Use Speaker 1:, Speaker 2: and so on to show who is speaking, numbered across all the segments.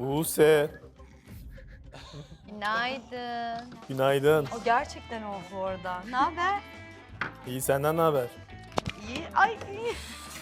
Speaker 1: Buse.
Speaker 2: Günaydın.
Speaker 1: Günaydın.
Speaker 3: O gerçekten o bu arada. Ne haber?
Speaker 1: İyi, senden ne haber?
Speaker 3: İyi. Ay iyi.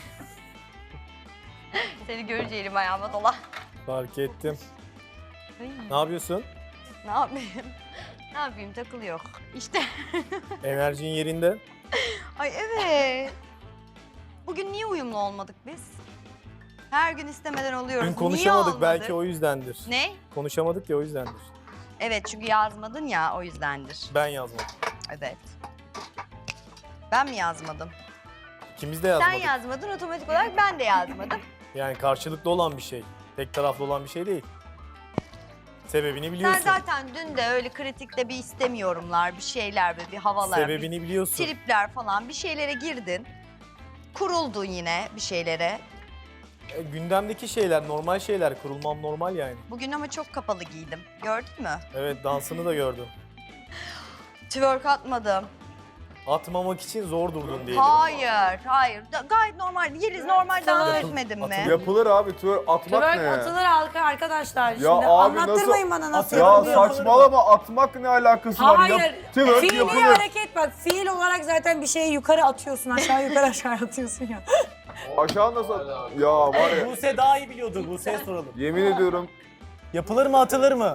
Speaker 2: Seni görünce elim ayağıma dola.
Speaker 1: Fark ettim.
Speaker 3: Ay,
Speaker 1: Ne yapıyorsun?
Speaker 3: ne yapayım? Ne yapayım takılıyor. İşte.
Speaker 1: Enerjin yerinde.
Speaker 3: Ay evet. Bugün niye uyumlu olmadık biz? Her gün istemeden oluyoruz.
Speaker 1: Dün
Speaker 3: Niye
Speaker 1: konuşamadık,
Speaker 3: olmadık?
Speaker 1: belki o yüzdendir.
Speaker 3: Ne?
Speaker 1: Konuşamadık ya, o yüzdendir.
Speaker 3: Evet çünkü yazmadın ya o yüzdendir.
Speaker 1: Ben yazmadım.
Speaker 3: Evet. Ben mi yazmadım?
Speaker 1: İkimiz de
Speaker 3: Sen
Speaker 1: yazmadık.
Speaker 3: yazmadın otomatik olarak ben de yazmadım.
Speaker 1: Yani karşılıklı olan bir şey. Tek taraflı olan bir şey değil. Sebebini
Speaker 3: Sen
Speaker 1: biliyorsun.
Speaker 3: zaten dün de öyle kritikte bir istemiyorumlar, bir şeyler ve bir havalar,
Speaker 1: Sebebini
Speaker 3: bir
Speaker 1: biliyorsun.
Speaker 3: tripler falan bir şeylere girdin. Kuruldun yine bir şeylere.
Speaker 1: Gündemdeki şeyler, normal şeyler. Kurulmam normal yani.
Speaker 3: Bugün ama çok kapalı giydim. Gördün mü?
Speaker 1: Evet, dansını da gördüm.
Speaker 3: Twerk atmadım.
Speaker 1: Atmamak için zor durdun diyelim.
Speaker 3: Hayır, hayır. Gayet normal. Yeliz normal dans etmedin mi?
Speaker 4: Yapılır abi, atmak
Speaker 5: Twerk
Speaker 4: ne?
Speaker 5: atılır halka arkadaşlar. Şimdi
Speaker 4: abi
Speaker 5: anlattırmayın bana nasıl
Speaker 4: Ya
Speaker 5: yapılıyor.
Speaker 4: saçmalama, atmak ne alakası var?
Speaker 5: Hayır,
Speaker 4: Twerk
Speaker 5: fiili
Speaker 4: yapılır.
Speaker 5: hareket bak. Fiil olarak zaten bir şeyi yukarı atıyorsun, aşağı yukarı aşağı atıyorsun ya.
Speaker 4: Aşağı nasıl? Ya var ya,
Speaker 1: Buse daha iyi biliyordur. Buse'ye soralım.
Speaker 4: yemin ediyorum.
Speaker 1: Yapılır mı, atılır mı?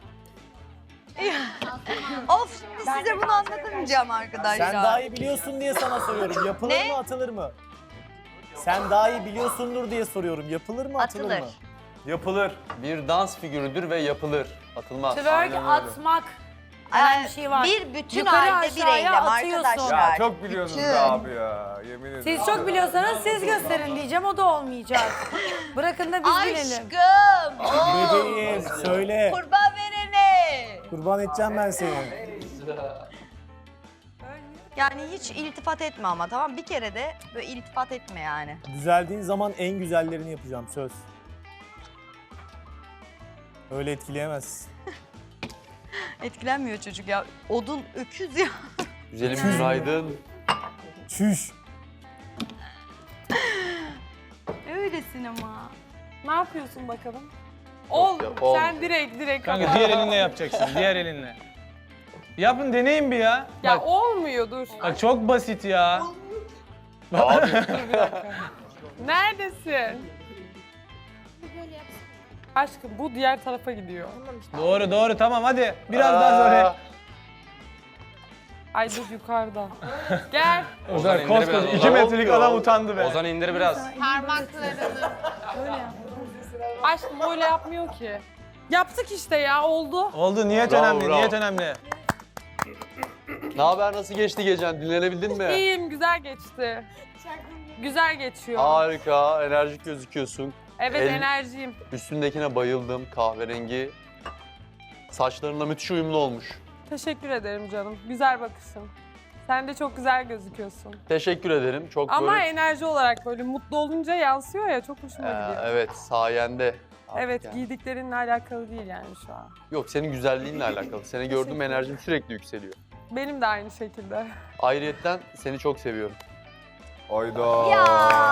Speaker 3: Of şimdi size bunu anlatamayacağım arkadaşlar.
Speaker 1: Sen daha iyi biliyorsun diye sana soruyorum. Yapılır
Speaker 3: Ne?
Speaker 1: mı, atılır mı? Sen daha iyi biliyorsundur diye soruyorum. Yapılır mı, atılır
Speaker 3: Atılır.
Speaker 1: mı?
Speaker 4: Yapılır.
Speaker 6: Bir dans figürüdür ve yapılır. Atılmaz.
Speaker 5: Twerk atmak. Hemen bir şey var.
Speaker 3: Bir bütün
Speaker 5: Yukarı
Speaker 3: halde bir
Speaker 5: aşağıya
Speaker 3: eylem
Speaker 5: atıyorsun.
Speaker 3: arkadaşlar.
Speaker 4: Ya çok biliyorsunuz be abi ya, yemin ederim.
Speaker 5: Siz çok biliyorsanız siz gösterin diyeceğim, o da olmayacak. Bırakın da biz bilelim.
Speaker 3: Aşkım! Oh,
Speaker 1: Bebeğim, söyle.
Speaker 3: kurban verene!
Speaker 1: Kurban edeceğim ben seni.
Speaker 3: Yani hiç iltifat etme ama tamam bir kere de böyle iltifat etme yani.
Speaker 1: Düzeldiğin zaman en güzellerini yapacağım, söz. Öyle etkileyemezsin.
Speaker 3: Etkilenmiyor çocuk ya. Odun öküz ya.
Speaker 6: Güzelim günaydın.
Speaker 1: Çüş.
Speaker 3: Öylesin ama.
Speaker 7: Ne yapıyorsun bakalım? Ol.
Speaker 6: ol.
Speaker 7: Sen direkt
Speaker 8: Kanka
Speaker 7: kapat.
Speaker 8: diğer elinle yapacaksın, diğer elinle. Yapın, deneyin bir ya.
Speaker 7: Ya
Speaker 8: Bak,
Speaker 7: olmuyor dur.
Speaker 8: bak çok basit ya.
Speaker 7: Neredesin? Aşkım bu diğer tarafa gidiyor.
Speaker 8: Doğru doğru, tamam hadi. Biraz daha sonra.
Speaker 7: Ay dur yukarıda. Gel.
Speaker 8: Ozan
Speaker 6: indir
Speaker 8: koskoca
Speaker 6: biraz,
Speaker 8: 2
Speaker 6: Ozan.
Speaker 8: metrelik adam utandı be.
Speaker 6: Ozan indir biraz.
Speaker 7: Aşkım öyle yapmıyor ki. Yaptık işte ya oldu.
Speaker 8: Oldu, niyet
Speaker 6: Bravo,
Speaker 8: önemli,
Speaker 6: bravo.
Speaker 8: niyet önemli.
Speaker 6: Ne haber, nasıl geçti gecen? Dinlenebildin mi?
Speaker 7: İyiyim güzel geçti. Güzel geçiyor.
Speaker 6: Harika, enerjik gözüküyorsun.
Speaker 7: Evet
Speaker 6: El-
Speaker 7: enerjiyim.
Speaker 6: Üstündekine bayıldım, kahverengi. Saçlarınla müthiş uyumlu olmuş.
Speaker 7: Teşekkür ederim canım. Güzel bakışın. Sen de çok güzel gözüküyorsun.
Speaker 6: Teşekkür ederim. Çok
Speaker 7: Ama
Speaker 6: böyle...
Speaker 7: enerji olarak böyle mutlu olunca yansıyor ya çok hoşuma gidiyor.
Speaker 6: Evet, sayende. Artık
Speaker 7: Evet,
Speaker 6: yani.
Speaker 7: giydiklerinle alakalı değil yani şu an.
Speaker 6: Yok, senin güzelliğinle alakalı. Seni gördüğüm enerjim sürekli yükseliyor.
Speaker 7: Benim de aynı şekilde.
Speaker 6: Ayrıyetten seni çok seviyorum.
Speaker 4: Ayda.
Speaker 3: Ya.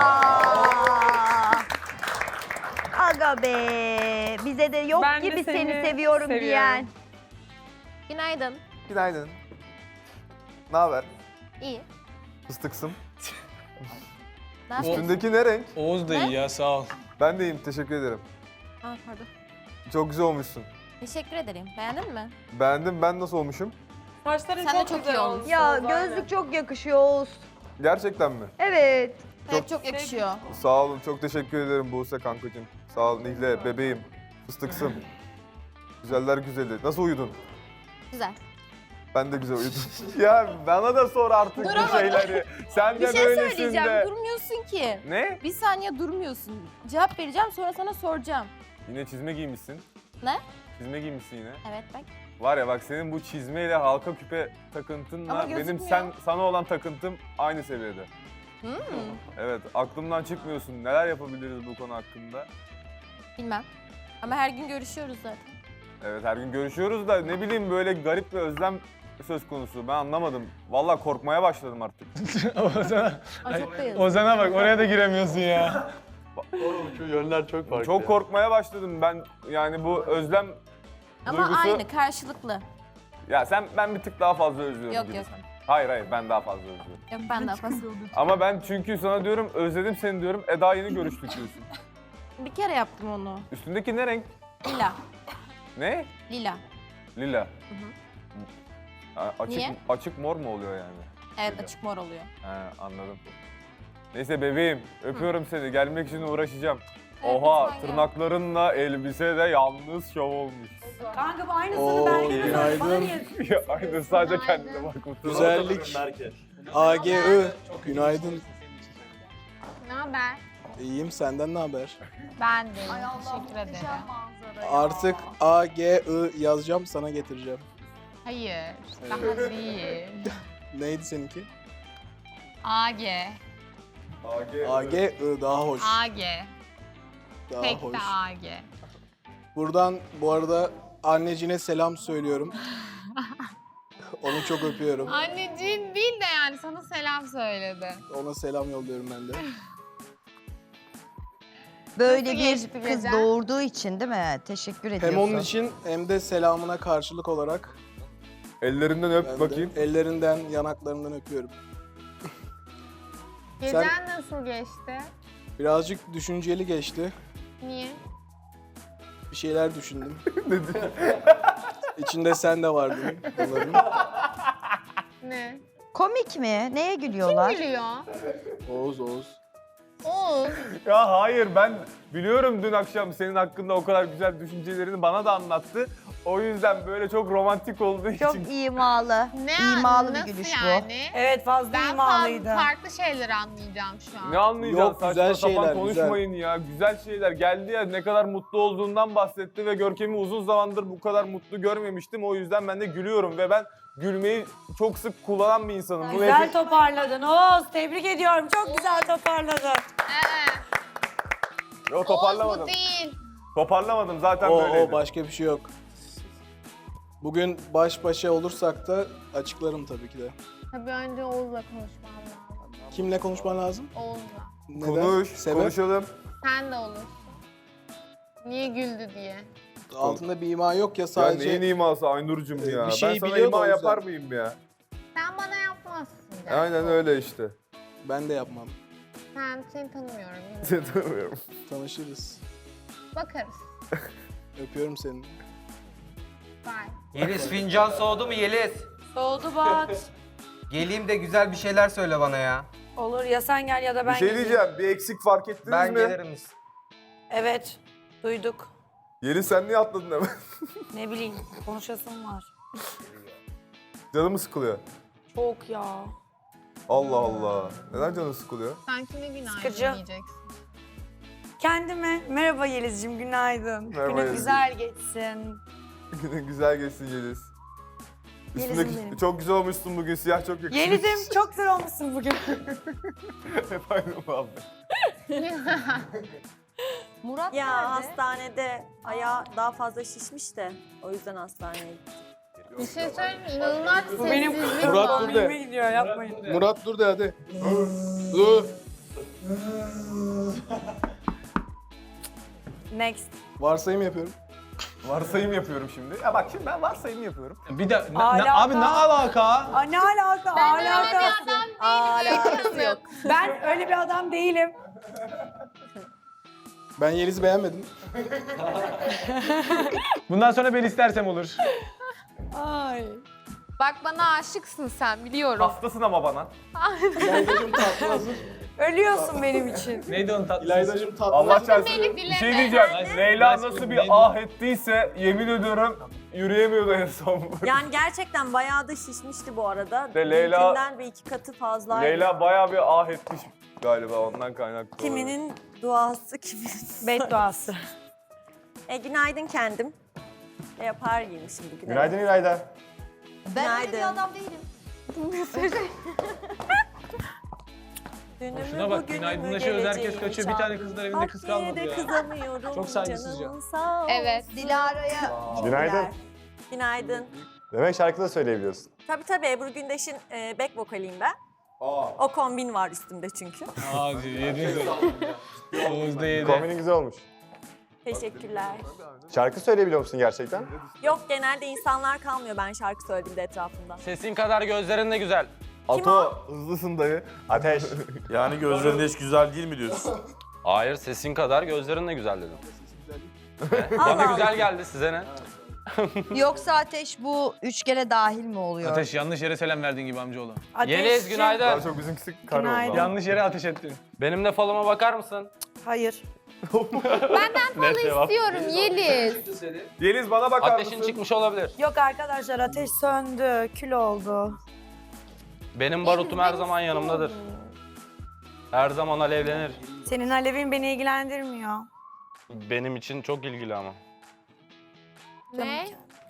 Speaker 3: Aga be. Bize de yok
Speaker 7: Ben de
Speaker 3: gibi
Speaker 7: seni
Speaker 3: seni seviyorum
Speaker 7: seviyorum.
Speaker 3: diyen.
Speaker 2: Günaydın.
Speaker 4: Günaydın. Ne haber?
Speaker 2: İyi.
Speaker 4: Fıstıksın.
Speaker 2: Ne yapıyorsun?
Speaker 4: Üstündeki ne renk?
Speaker 8: Oğuz da iyi ya, sağ ol.
Speaker 4: Ben de iyiyim, teşekkür ederim.
Speaker 2: Aa, pardon.
Speaker 4: Çok güzel olmuşsun.
Speaker 2: Teşekkür ederim. Beğendin mi?
Speaker 4: Beğendim, ben nasıl olmuşum?
Speaker 7: Saçların
Speaker 2: Sen de
Speaker 7: çok,
Speaker 2: çok
Speaker 7: güzel
Speaker 2: iyi
Speaker 7: olmuş.
Speaker 2: olmuşsun.
Speaker 3: Ya gözlük çok yakışıyor Oğuz.
Speaker 4: Gerçekten mi?
Speaker 3: Evet.
Speaker 2: Hep çok yakışıyor.
Speaker 4: Sağ olun, çok teşekkür ederim Buse kankacığım. Sağ ol Nihle, bebeğim, fıstıksım. Güzeller güzeli. Nasıl uyudun?
Speaker 2: Güzel.
Speaker 4: Ben de güzel uyudum. Ya bana da sor artık bu şeyleri. Sen
Speaker 2: Bir
Speaker 4: de
Speaker 2: şey
Speaker 4: böylesin
Speaker 2: söyleyeceğim.
Speaker 4: de.
Speaker 2: Durmuyorsun ki.
Speaker 4: Ne?
Speaker 2: Bir saniye durmuyorsun. Cevap vereceğim sonra sana soracağım.
Speaker 4: Yine çizme giymişsin.
Speaker 2: Ne?
Speaker 4: Çizme giymişsin yine.
Speaker 2: Evet bak.
Speaker 4: Var ya bak, senin bu çizmeyle halka küpe
Speaker 2: Ama
Speaker 4: takıntınla benim
Speaker 2: gözükmüyor.
Speaker 4: sana olan takıntım aynı seviyede. Evet, aklımdan çıkmıyorsun. Neler yapabiliriz bu konu hakkında?
Speaker 2: Bilmem. Ama her gün görüşüyoruz zaten.
Speaker 4: Evet, her gün görüşüyoruz da ne bileyim, böyle garip bir özlem söz konusu. Ben anlamadım. Vallahi korkmaya başladım artık.
Speaker 8: Ozan'a,
Speaker 2: Ay çok da yazık.
Speaker 8: Ozan'a bak, oraya da giremiyorsun ya.
Speaker 6: Şu yönler çok farklı.
Speaker 4: Çok
Speaker 6: ya.
Speaker 4: korkmaya başladım ben. Yani bu özlem
Speaker 2: Ama
Speaker 4: duygusu...
Speaker 2: aynı karşılıklı.
Speaker 4: Ya ben bir tık daha fazla özlüyorum
Speaker 2: Yok
Speaker 4: gibi.
Speaker 2: yok.
Speaker 4: Hayır ben daha fazla özlüyorum.
Speaker 2: Yok ben daha fazla.
Speaker 4: Ama ben çünkü sana diyorum özledim seni diyorum. Eda yeni görüştük diyorsun.
Speaker 2: Bir kere yaptım onu.
Speaker 4: Üstündeki ne renk?
Speaker 2: Lila.
Speaker 4: Ne?
Speaker 2: Lila.
Speaker 4: Lila. Açık,
Speaker 2: Niye?
Speaker 4: açık mor mu oluyor yani?
Speaker 2: Evet
Speaker 4: Lila.
Speaker 2: açık mor oluyor.
Speaker 4: He anladım. Neyse bebeğim öpüyorum seni. Gelmek için uğraşacağım.
Speaker 2: Evet,
Speaker 4: Oha
Speaker 2: lütfen gel.
Speaker 4: tırnaklarınla elbise de yalnız şov olmuş.
Speaker 5: Kanka bu aynısını
Speaker 9: Oo,
Speaker 5: ben de
Speaker 9: günaydın.
Speaker 5: bana niye?
Speaker 4: Ya aynı sadece kendine bak.
Speaker 9: Güzellik. AGI. Günaydın.
Speaker 7: Ne haber?
Speaker 9: İyiyim, senden ne haber?
Speaker 7: Ben de. Teşekkür ederim.
Speaker 9: Artık AGI yazacağım, sana getireceğim.
Speaker 7: Hayır. Daha değil.
Speaker 9: Neydi seninki?
Speaker 7: AG.
Speaker 9: AGI daha hoş.
Speaker 7: AG.
Speaker 9: Daha
Speaker 7: Tek
Speaker 9: hoş.
Speaker 7: de AG.
Speaker 9: Buradan bu arada annecine selam söylüyorum. Onu çok öpüyorum.
Speaker 7: Anneciğin değil de yani sana selam söyledi.
Speaker 9: Ona selam yolluyorum ben de.
Speaker 3: Böyle
Speaker 7: Nasıl
Speaker 3: bir
Speaker 7: geçti
Speaker 3: kız
Speaker 7: gece?
Speaker 3: doğurduğu için değil mi? Teşekkür ediyorsun.
Speaker 9: Hem onun için hem de selamına karşılık olarak
Speaker 4: Ellerinden öp
Speaker 9: ben
Speaker 4: bakayım.
Speaker 9: de ellerinden, yanaklarından öpüyorum.
Speaker 7: Gecen nasıl geçti?
Speaker 9: Birazcık düşünceli geçti.
Speaker 7: Niye?
Speaker 9: Bir şeyler düşündüm. İçinde sen de vardın bunların.
Speaker 7: Ne?
Speaker 3: Komik mi? Neye gülüyorlar?
Speaker 7: Gülüyor.
Speaker 9: Oğuz.
Speaker 7: Oğuz.
Speaker 4: Ya hayır ben biliyorum dün akşam senin hakkında o kadar güzel düşüncelerini bana da anlattı. O yüzden böyle çok romantik olduğu
Speaker 3: Çok
Speaker 4: için.
Speaker 3: imalı. İmalı bir
Speaker 7: nasıl
Speaker 3: gülüş
Speaker 7: yani?
Speaker 5: Evet fazla
Speaker 7: Ben
Speaker 5: imalıydı.
Speaker 7: farklı şeyler anlayacağım şu an.
Speaker 4: Ne anlayacaksın?
Speaker 9: Yok, güzel
Speaker 4: Saçma sapan
Speaker 9: şeyler,
Speaker 4: konuşmayın ya. Güzel şeyler. Geldi ya ne kadar mutlu olduğundan bahsetti ve Görkem'i uzun zamandır bu kadar mutlu görmemiştim. O yüzden ben de gülüyorum ve ben gülmeyi çok sık kullanan bir insanım. Bunu
Speaker 5: Güzel
Speaker 4: hep-
Speaker 5: toparladın Oğuz. Tebrik ediyorum. Çok güzel toparladın.
Speaker 4: Yo,
Speaker 7: Oğuz
Speaker 4: toparlamadım.
Speaker 7: bu değil.
Speaker 4: Toparlamadım zaten
Speaker 9: O
Speaker 4: böyleydi.
Speaker 9: başka bir şey yok. Bugün baş başa olursak da açıklarım tabii ki de.
Speaker 7: Tabii önce Oğuz'la konuşmam lazım.
Speaker 9: Kimle konuşman lazım?
Speaker 7: Oğuz'la.
Speaker 9: Neden?
Speaker 4: Konuş,
Speaker 9: Sebep?
Speaker 4: konuşalım.
Speaker 7: Sen de olursun. Niye güldü diye.
Speaker 9: Altında bir ima yok ya
Speaker 4: Ya
Speaker 9: sadece.
Speaker 4: neyin iması Aynur'cum ya?
Speaker 9: Bir şey
Speaker 4: ben sana
Speaker 9: biliyor da o
Speaker 4: ima
Speaker 9: yüzden.
Speaker 4: yapar mıyım ya?
Speaker 7: Sen bana yapmazsın. Gerçi.
Speaker 4: Aynen öyle işte.
Speaker 9: Ben de yapmam.
Speaker 7: Seni tanımıyorum. bilmiyorum.
Speaker 4: Seni tanımıyorum.
Speaker 9: Tanışırız.
Speaker 7: Bakarız.
Speaker 9: Öpüyorum seni.
Speaker 7: Bye.
Speaker 10: Yeliz fincan soğudu mu Yeliz?
Speaker 5: Soğudu Bat.
Speaker 10: Geleyim de güzel bir şeyler söyle bana ya.
Speaker 5: Olur ya sen gel ya da ben
Speaker 4: Bir şey
Speaker 5: geleyim.
Speaker 4: diyeceğim. Bir eksik fark ettiniz
Speaker 10: Ben
Speaker 4: mi?
Speaker 10: gelirim.
Speaker 5: Evet. Duyduk.
Speaker 4: Yeliz sen niye atladın hemen?
Speaker 5: Ne bileyim konuşasım var.
Speaker 4: Canımı sıkılıyor.
Speaker 5: Çok ya.
Speaker 4: Allah Allah. Neden canı sıkılıyor?
Speaker 7: Sen kime günaydın
Speaker 5: Sıkıcı.
Speaker 7: diyeceksin?
Speaker 5: Kendime merhaba Yeliz'cim günaydın.
Speaker 4: Merhaba
Speaker 5: Günün
Speaker 4: Yeliz.
Speaker 5: güzel geçsin.
Speaker 4: Günün güzel geçsin Yeliz.
Speaker 5: Yeliz'im
Speaker 4: Üstündeki
Speaker 5: benim.
Speaker 4: çok güzel olmuşsun bugün. Siyah çok yakışmış.
Speaker 5: Yeliz'im çok güzel olmuşsun bugün.
Speaker 4: Efendim abi.
Speaker 3: Murat
Speaker 11: Ya
Speaker 3: nerede?
Speaker 11: hastanede ayağı daha fazla şişmiş de o yüzden hastaneye gittik.
Speaker 7: Bir şey söyleyeyim mi? İnanılmaz
Speaker 5: Bu benim
Speaker 7: sessizlik
Speaker 9: Murat
Speaker 7: var.
Speaker 9: dur de.
Speaker 5: komiğime gidiyor yapmayın.
Speaker 9: Murat dur de hadi. Dur.
Speaker 5: Next.
Speaker 9: Varsayım yapıyorum.
Speaker 4: Varsayım yapıyorum şimdi. Ya bak şimdi ben varsayım yapıyorum.
Speaker 8: Bir de
Speaker 5: Alaka.
Speaker 8: abi ne alaka?
Speaker 5: Aa, ne alaka?
Speaker 7: Ben öyle bir
Speaker 5: Alakası.
Speaker 7: adam değilim.
Speaker 5: Alakası yok. Ben öyle bir adam değilim.
Speaker 9: Ben Yeliz'i beğenmedim.
Speaker 8: Bundan sonra ben istersem olur.
Speaker 5: Ay.
Speaker 7: Bak bana aşıksın sen biliyorum.
Speaker 4: Hastasın ama bana.
Speaker 9: İlaydacığım tatlı hazır.
Speaker 5: Ölüyorsun benim için.
Speaker 8: Neydi onun tatlısı?
Speaker 9: İlaydacığım tatlı
Speaker 4: Allah
Speaker 9: hazır.
Speaker 4: çarpsın.
Speaker 7: beni
Speaker 4: Bir
Speaker 7: bileme.
Speaker 4: şey diyeceğim. Leyla
Speaker 8: Ben-
Speaker 4: nasıl
Speaker 8: Ben-
Speaker 4: bir ah ettiyse yemin ediyorum yürüyemiyordu en son.
Speaker 11: Yani gerçekten bayağı da şişmişti bu arada.
Speaker 4: Ve Leyla-
Speaker 11: Dünkünden bir iki katı fazlaydı.
Speaker 4: Leyla bayağı bir ah etmiş galiba ondan kaynaklı.
Speaker 11: Kiminin duası kiminin...
Speaker 5: Bedduası.
Speaker 11: Günaydın kendim. Yapar giymişim bugün.
Speaker 4: Günaydın İlayda.
Speaker 3: Ben öyle bir
Speaker 11: Günaydın.
Speaker 3: adam değilim.
Speaker 11: Dünümü
Speaker 8: Şuna bak,
Speaker 11: bugünümü
Speaker 8: günaydınlaşıyoruz, herkes
Speaker 11: geleceğimi
Speaker 8: kaçıyor. Bir tane kızlar evinde kız
Speaker 11: çaldım.
Speaker 8: kalmadı
Speaker 11: Yine de
Speaker 8: ya.
Speaker 11: kızamıyorum.
Speaker 8: Çok saygısızca.
Speaker 11: Canın sağ olsun.
Speaker 7: Evet.
Speaker 3: Dilara'ya
Speaker 11: Günaydın. Günaydın.
Speaker 4: Demek şarkı da söyleyebiliyorsun.
Speaker 11: Tabii Ebru Gündeş'in back vokaliyim ben. O kombin var üstümde çünkü.
Speaker 8: Hadi yedin. Oğuz da yedi.
Speaker 12: Kombinin güzel olmuş.
Speaker 11: Teşekkürler.
Speaker 12: Şarkı söyleyebiliyor musun gerçekten?
Speaker 11: Yok, genelde insanlar kalmıyor ben şarkı söylediğimde etrafımda.
Speaker 8: Sesin kadar gözlerin de güzel.
Speaker 12: Ato hızlısın dayı. Ateş.
Speaker 13: Yani gözlerinde hiç güzel değil mi diyorsun?
Speaker 8: Hayır, sesin kadar gözlerin de güzel dedim.
Speaker 11: Allah
Speaker 8: Bana güzel
Speaker 11: Allah.
Speaker 8: geldi, size ne?
Speaker 3: Yoksa Ateş bu 3 kere dahil mi oluyor?
Speaker 8: Ateş, yanlış yere selam verdiğin gibi amcaoğlu. Yeliz, günaydın.
Speaker 12: Daha çok bizimkisi kar oldu.
Speaker 5: Günaydın.
Speaker 12: ama.
Speaker 8: Yanlış yere ateş ettin. Benim de falıma bakar mısın?
Speaker 5: Hayır.
Speaker 2: Benden falı istiyorum Yeliz.
Speaker 4: Yeliz bana bakar
Speaker 8: Ateşin
Speaker 4: mısın?
Speaker 8: çıkmış olabilir.
Speaker 5: Yok arkadaşlar, ateş söndü, kül oldu.
Speaker 8: Benim barutum her zaman yanımdadır. Her zaman alevlenir.
Speaker 5: Senin alevin beni ilgilendirmiyor.
Speaker 8: Benim için çok ilgili ama.
Speaker 2: Ne?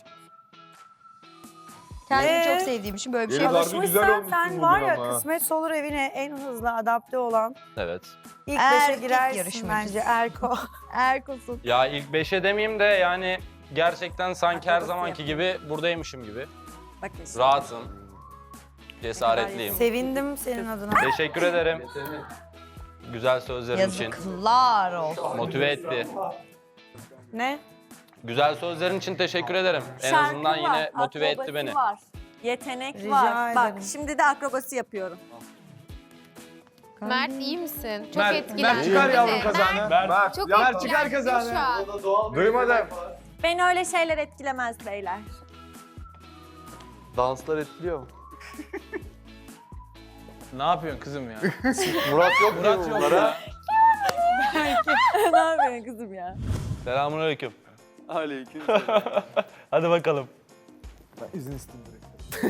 Speaker 3: Kendimi çok sevdiğim için böyle bir şey
Speaker 4: Yeliz
Speaker 3: var.
Speaker 4: harbi güzel olmuşsun
Speaker 5: sen
Speaker 4: bugün
Speaker 5: var ya,
Speaker 4: ama ha.
Speaker 5: kısmet olur evine en hızlı adapte olan.
Speaker 8: Evet.
Speaker 5: İlk
Speaker 3: Erkek
Speaker 5: 5'e girersin
Speaker 3: yarışmacısı.
Speaker 5: bence Erko.
Speaker 3: Erkosun.
Speaker 8: Ya ilk 5'e demeyeyim de yani gerçekten sanki her zamanki gibi buradaymışım gibi.
Speaker 11: Bakın şimdi.
Speaker 8: Rahatım. Cesaretliyim.
Speaker 5: Sevindim senin adına.
Speaker 8: Teşekkür ederim. Güzel sözlerin için.
Speaker 3: Yazıklar olsun.
Speaker 8: Motive etti.
Speaker 5: Ne?
Speaker 8: Güzel sözlerin için teşekkür ederim. En
Speaker 11: Şarkı
Speaker 8: azından
Speaker 11: var,
Speaker 8: yine motive etti
Speaker 11: akrobasi
Speaker 8: beni.
Speaker 11: var, yetenek
Speaker 5: Rica
Speaker 11: var. Bak
Speaker 5: ederim.
Speaker 11: şimdi de akrobasi yapıyorum.
Speaker 2: Mert iyi misin? Çok
Speaker 8: Mert
Speaker 2: etkilendim.
Speaker 8: çıkar
Speaker 2: değil
Speaker 8: yavrum
Speaker 2: mi?
Speaker 8: kazağını.
Speaker 4: Mert,
Speaker 2: Çok
Speaker 4: ya
Speaker 2: etkilendim şu an.
Speaker 12: Duymadım.
Speaker 11: Beni öyle şeyler etkilemez beyler.
Speaker 6: Danslar etkiliyor mu?
Speaker 8: Ne yapıyorsun kızım ya?
Speaker 6: Murat yok
Speaker 8: Murat
Speaker 6: mu
Speaker 8: yok
Speaker 6: bunlara?
Speaker 8: ya.
Speaker 11: Ne yapıyorsun kızım ya?
Speaker 8: Selamünaleyküm.
Speaker 6: Aleyküm.
Speaker 8: Hadi bakalım.
Speaker 12: İzin istedim direkt.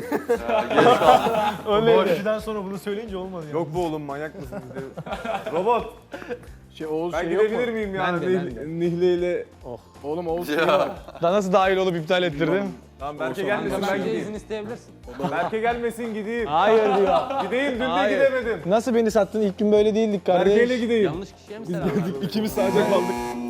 Speaker 1: Bu akşiden sonra bunu söyleyince olmadı ya.
Speaker 4: Yok bu oğlum manyak mısın? Robot.
Speaker 9: Oğuz
Speaker 4: Ben
Speaker 9: şey yok mu?
Speaker 4: gidebilir miyim yani?
Speaker 1: Ben de.
Speaker 4: Nihle ile.
Speaker 9: Oğlum Oğuz şey
Speaker 6: Ya.
Speaker 9: var.
Speaker 8: Daha nasıl dahil olup iptal ettirdim?
Speaker 4: Tamam Berke gelmesin ben gideyim.
Speaker 8: isteyebilirsin.
Speaker 4: Berke gelmesin gideyim.
Speaker 8: Hayır diyor.
Speaker 4: Gideyim dün de
Speaker 8: Hayır.
Speaker 4: gidemedim.
Speaker 8: Nasıl beni sattın? İlk gün böyle değildik kardeş.
Speaker 4: Berke'yle gideyim.
Speaker 8: Yanlış kişiye mi selam verdin?
Speaker 4: İkimiz sadece kaldık.